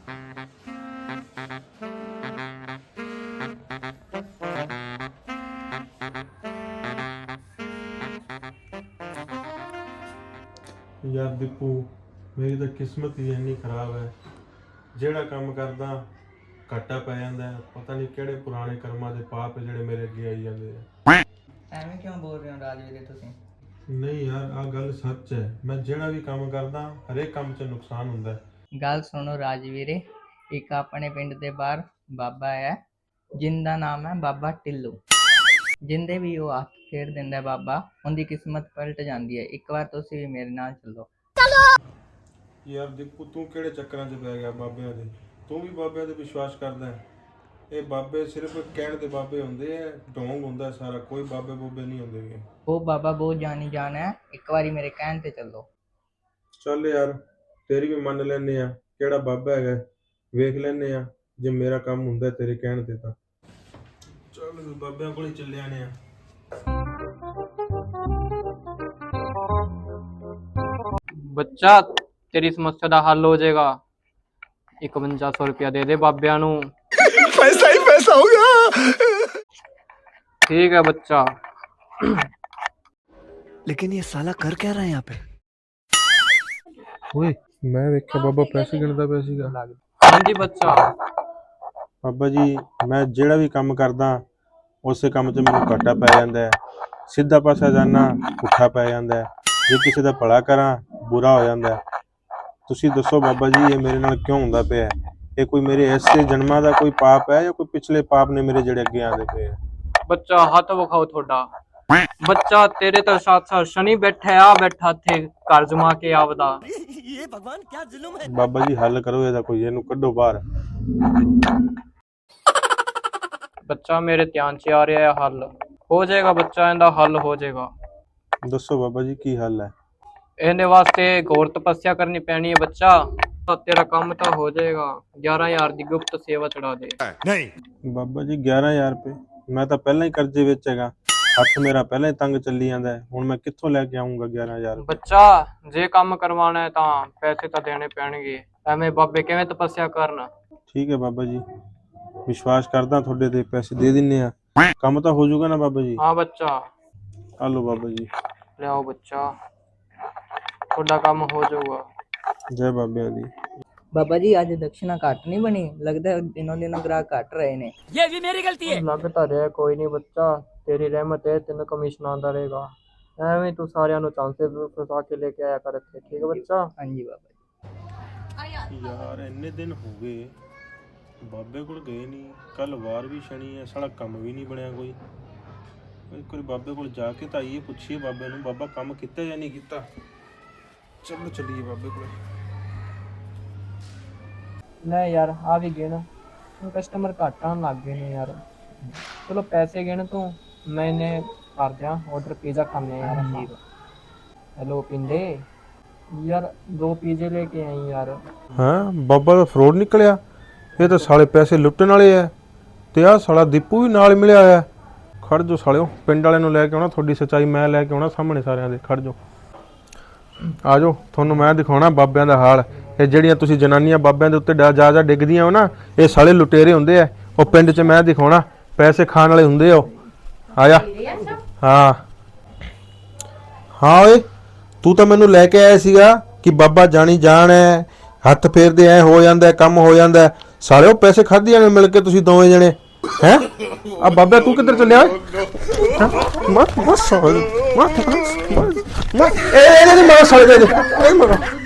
यार दीपू, मेरी तो किस्मत ही इन्नी खराब है। ਜਿਹੜਾ ਕੰਮ ਕਰਦਾ ਘਾਟਾ ਪੈ ਜਾਂਦਾ ਹੈ। ਪਤਾ ਨਹੀਂ ਕਿਹੜੇ ਪੁਰਾਣੇ ਕਰਮਾਂ ਦੇ ਪਾਪ ਜਿਹੜੇ ਮੇਰੇ ਅੱਗੇ ਆਈ ਜਾਂਦੇ ਆ। ਐਵੇਂ ਕਿਉਂ ਬੋਲ ਰਹੇ ਹੋ ਰਾਜਵੀਰੇ ਤੁਸੀਂ? ਨਹੀਂ ਯਾਰ, ਆਹ ਗੱਲ ਸੱਚ ਹੈ। ਮੈਂ ਜਿਹੜਾ ਵੀ ਕੰਮ ਕਰਦਾ ਹਰੇਕ ਕੰਮ 'ਚ ਨੁਕਸਾਨ ਹੁੰਦਾ ਹੈ। ਗੱਲ ਸੁਣੋ ਰਾਜਵੀਰੇ, ਇੱਕ ਆਪਣੇ ਪਿੰਡ ਦੇ ਬਾਹਰ ਬਾਬਾ ਹੈ ਜਿੰਦਾ ਨਾਮ ਹੈ ਬਾਬਾ ਟਿੱਲੂ। ਜਿੰਦੇ ਵੀ ਉਹ ਹੱਥ ਫੇਰ ਦਿੰਦਾ ਬਾਬਾ, ਉਹਦੀ ਕਿਸਮਤ ਪਲਟ ਜਾਂਦੀ ਹੈ। ਇੱਕ ਵਾਰ ਤੁਸੀਂ ਵੀ ਮੇਰੇ ਨਾਲ ਚੱਲੋ। ਯਾਰ ਦੀਪੂ, ਤੂੰ ਕਿਹੜੇ ਚੱਕਰਾਂ 'ਚ ਪੈ ਗਿਆ ਬਾਬਿਆਂ ਦੇ? ਤੂੰ ਵੀ ਬਾਬਿਆਂ ਤੇ ਵਿਸ਼ਵਾਸ ਕਰਦਾ ਹੈ? ਇਹ ਬਾਬੇ ਸਿਰਫ ਕਹਿਣ ਦੇ ਬਾਬੇ ਹੁੰਦੇ ਆ, ਢੋਂਗ ਹੁੰਦਾ ਸਾਰਾ, ਕੋਈ ਬਾਬੇ ਬੂਬੇ ਨਹੀਂ ਹੁੰਦੇ। ਉਹ ਬਾਬਾ ਬਹੁਤ ਜਾਣੀ ਜਾਣ ਹੈ, ਇੱਕ ਵਾਰੀ ਮੇਰੇ ਕਹਿਣ ਤੇ ਚੱਲੋ। ਚੱਲ ਯਾਰ, ਤੇਰੀ ਵੀ ਮੰਨ ਲੈਨੇ ਆ ਕਿਹੜਾ ਬਾਬਾ ਹੈਗਾ, ਵੇਖ ਲੈਨੇ ਆ ਜੇ ਮੇਰਾ ਕੰਮ ਹੁੰਦਾ ਤੇਰੇ ਕਹਿਣ ਤੇ ਤਾਂ। ਚੱਲ ਬਾਬਿਆਂ ਕੋਲ ਹੀ ਚੱਲੇ ਆਨੇ ਆ। ਬੱਚਾ, तेरी समस्या का हल हो जाएगा। 5100 रुपया दे दे बाबिया नू। पैसा ही पैसा होगा। ठीक है बच्चा। लेकिन ये साला कर क्या रहा है यहाँ पे? ओए, मैं देखा बाबा पैसे गिनदा पिया सीगा। हाँ जी बच्चा। बाबा जी, मैं ਜਿਹੜਾ ਵੀ ਕੰਮ ਕਰਦਾ ਉਸੇ ਕੰਮ 'ਚ ਮੈਨੂੰ ਘਾਟਾ ਪੈ ਜਾਂਦਾ ਹੈ। ਸਿੱਧਾ ਪਾਸਾ ਜਾਣਾ ਪੁੱਠਾ ਪੈ ਜਾਂਦਾ ਹੈ। ਜੇ ਕਿਸੇ ਦਾ ਭਲਾ ਕਰਾਂ ਬੁਰਾ ਹੋ ਜਾਂਦਾ ਹੈ। ਤੁਸੀਂ ਦੱਸੋ ਬਾਬਾ ਜੀ, ਇਹ ਮੇਰੇ ਨਾਲ ਕਿਉਂ ਹੁੰਦਾ ਪਿਆ? ਇਹ ਕੋਈ ਮੇਰੇ ਐਸੇ ਜਨਮਾਂ ਦਾ ਕੋਈ ਪਾਪ ਹੈ ਜਾਂ ਕੋਈ ਪਿਛਲੇ ਪਾਪ ਨੇ ਮੇਰੇ ਜਿਹੜੇ ਅੱਗੇ ਆਉਂਦੇ ਪਏ? बच्चा हाथ विखाओ थोड़ा। बच्चा, तेरे तो साथ साथ शनि बैठा थे घर जमा के आवदा। ये भगवान क्या जुल्म है। बाबा जी हल करो ਇਹਦਾ ਕੋਈ, ਇਹਨੂੰ ਕੱਢੋ ਬਾਹਰ। बच्चा, मेरे ध्यान से आ रहा है हल हो जाएगा। बच्चा, इनका हल हो जाएगा। ਦੱਸੋ ਬਾਬਾ ਜੀ ਕੀ ਹੱਲ ਹੈ? ਇਹਨੇ ਵਾਸਤੇ ਘੋਰ ਤਪੱਸਿਆ ਕਰਨੀ ਪੈਣੀ ਹੈ ਬੱਚਾ। ਤੇਰਾ ਕੰਮ ਤਾਂ ਹੋ ਜਾਏਗਾ। 11000 ਦੀ ਗੁਪਤ ਸੇਵਾ ਚੜਾ ਦੇ। नहीं ਬਾਬਾ ਜੀ 11000 ਰੁਪਏ? ਮੈਂ ਤਾਂ ਪਹਿਲਾਂ ਹੀ ਕਰਜ਼ੇ ਵਿੱਚ ਹੈਗਾ, ਹੱਥ ਮੇਰਾ ਪਹਿਲਾਂ ਹੀ ਤੰਗ ਚੱਲੀ ਜਾਂਦਾ ਹੈ। ਹੁਣ ਮੈਂ ਕਿੱਥੋਂ ਲੈ ਕੇ ਆਉਂਗਾ 11000 ਰੁਪਏ? ਬੱਚਾ, ਜੇ ਕੰਮ ਕਰਵਾਉਣਾ ਹੈ ਤਾਂ ਪੈਸੇ ਤਾਂ ਦੇਣੇ ਪੈਣਗੇ। ਐਵੇਂ ਬਾਬੇ ਕਿਵੇਂ ਤਪੱਸਿਆ ਕਰਨ? ਠੀਕ ਹੈ ਬਾਬਾ ਜੀ, ਵਿਸ਼ਵਾਸ ਕਰਦਾ ਤੁਹਾਡੇ ਤੇ, ਪੈਸੇ ਦੇ ਦਿੰਨੇ ਆ। ਕੰਮ ਤਾਂ ਹੋ ਜਾਊਗਾ ਨਾ ਬਾਬਾ ਜੀ? ਹਾਂ ਬੱਚਾ। ਆ ਲਓ ਬਾਬਾ ਜੀ। ਲਿਆਓ ਬੱਚਾ, ਤੁਹਾਡਾ ਕੰਮ ਹੋ ਜਾਊਗਾ। ਜੈ ਬਾਬਿਆਂ ਦੀ। ਬਾਬਾ ਜੀ, ਅੱਜ ਦਕਸ਼ਨਾ ਘੱਟ ਨਹੀਂ ਬਣੀ, ਲੱਗਦਾ ਦਿਨੋਂ ਦਿਨ ਗ੍ਰਾਹਕ ਘਟ ਰਹੇ ਨੇ। ये भी मेरी गलती है। ਲੱਗਦਾ ਰਿਹਾ ਕੋਈ ਨਹੀਂ ਬੱਚਾ, ਤੇਰੀ ਰਹਿਮਤ ਹੈ, ਤੈਨੂੰ ਕਮਿਸ਼ਨ ਆਉਂਦਾ ਰਹੇਗਾ। ਐਵੇਂ ਤੂੰ ਸਾਰਿਆਂ ਨੂੰ ਚਾਂਸੇ ਫਸਾ ਕੇ ਲੈ ਕੇ ਆਇਆ ਕਰ ਇੱਥੇ। ਠੀਕ ਹੈ ਬੱਚਾ? ਹਾਂਜੀ ਬਾਬਾ ਜੀ। ਯਾਰ ਇੰਨੇ ਦਿਨ ਹੋ ਗਏ ਬਾਬੇ ਕੋਲ ਗਏ ਨਹੀਂ। ਕੱਲ ਵਾਰ ਵੀ ਸ਼ਨੀ ਹੈ, ਸਾਲਾ ਕੰਮ ਵੀ ਨਹੀਂ ਬਣਿਆ ਕੋਈ। ਇੱਕ ਵਾਰੀ ਬਾਬੇ ਕੋਲ ਜਾ ਕੇ ਤਾਂ ਆਈਏ, ਪੁੱਛੀਏ ਬਾਬੇ ਨੂੰ ਬਾਬਾ ਕੰਮ ਕੀਤਾ ਜਾਂ ਨਹੀਂ ਕੀਤਾ। ਚਲੋ ਚੱਲੀਏ ਬਾਬੇ ਕੋਲ। ਲੈ ਯਾਰ, ਆ ਵੀ ਗਿਣ। ਕਸਟਮਰ ਘੱਟ ਆਉਣ ਲੱਗ ਗਏ ਨੇ ਯਾਰ। ਚਲੋ ਪੈਸੇ ਗਿਣ ਤੂੰ, ਮੈਨੇ ਕਰ ਦਿਆਂ ਆਰਡਰ। ਪੀਜ਼ਾ ਖਾਣੇ ਯਾਰ ਅਸੀਂ। ਹੈਲੋ ਪਿੰਡੇ, ਯਾਰ 2 ਪੀਜ਼ੇ ਲੈ ਕੇ ਆਈ ਯਾਰ। ਹਾਂ, ਬਾਬਾ ਦਾ ਫਰੋਡ ਨਿਕਲਿਆ। ਇਹ ਤਾਂ ਸਾਲੇ ਪੈਸੇ ਲੁੱਟਣ ਵਾਲੇ ਆ। ਤੇ ਆਹ ਸਾਲਾ ਦੀਪੂ ਵੀ ਨਾਲ ਮਿਲਿਆ ਹੋਇਆ। ਖੜ ਜੋ ਸਾਲਿਓ, ਪਿੰਡ ਵਾਲਿਆਂ ਨੂੰ ਲੈ ਕੇ ਆਉਣਾ, ਤੁਹਾਡੀ ਸੱਚਾਈ ਮੈਂ ਲੈ ਕੇ ਆਉਣਾ ਸਾਹਮਣੇ ਸਾਰਿਆਂ ਦੇ। ਖੜ ਜੋ, ਆ ਜਾਓ, ਤੁਹਾਨੂੰ ਮੈਂ ਦਿਖਾਉਣਾ ਬਾਬਿਆਂ ਦਾ ਹਾਲ। ਇਹ ਜਿਹੜੀਆਂ ਤੁਸੀਂ ਜਨਾਨੀਆਂ ਬਾਬਿਆਂ ਦੇ ਉੱਤੇ ਜਾ ਡਿੱਗਦੀਆਂ ਹੋ ਨਾ, ਇਹ ਸਾਲੇ ਲੁਟੇਰੇ ਹੁੰਦੇ ਆ। ਉਹ ਪਿੰਡ 'ਚ ਮੈਂ ਦਿਖਾਉਣਾ, ਪੈਸੇ ਖਾਣ ਵਾਲੇ ਹੁੰਦੇ ਆ ਉਹ। ਆ ਜਾ। ਹਾਂ ਹਾਂ, ਓਏ ਤੂੰ ਤਾਂ ਮੈਨੂੰ ਲੈ ਕੇ ਆਇਆ ਸੀਗਾ ਕਿ ਬਾਬਾ ਜਾਣੀ ਜਾਣ ਹੈ, ਹੱਥ ਫੇਰਦੇ ਐ ਹੋ ਜਾਂਦਾ, ਕੰਮ ਹੋ ਜਾਂਦਾ। ਸਾਲਿਓ ਪੈਸੇ ਖਾਧੀਆਂ ਨੇ ਮਿਲ ਕੇ ਤੁਸੀਂ ਦੋਵੇਂ ਜਣੇ। ਹੈ ਆ ਬਾਬਾ, ਤੂੰ ਕਿੱਧਰ ਚੱਲਿਆ? ਮਤ ਮਤ ਸਾਲੇ, ਮਤ ਮਤ ਇਹ ਨਹੀਂ ਮਾਰ ਸਾਲੇ ਦੇ।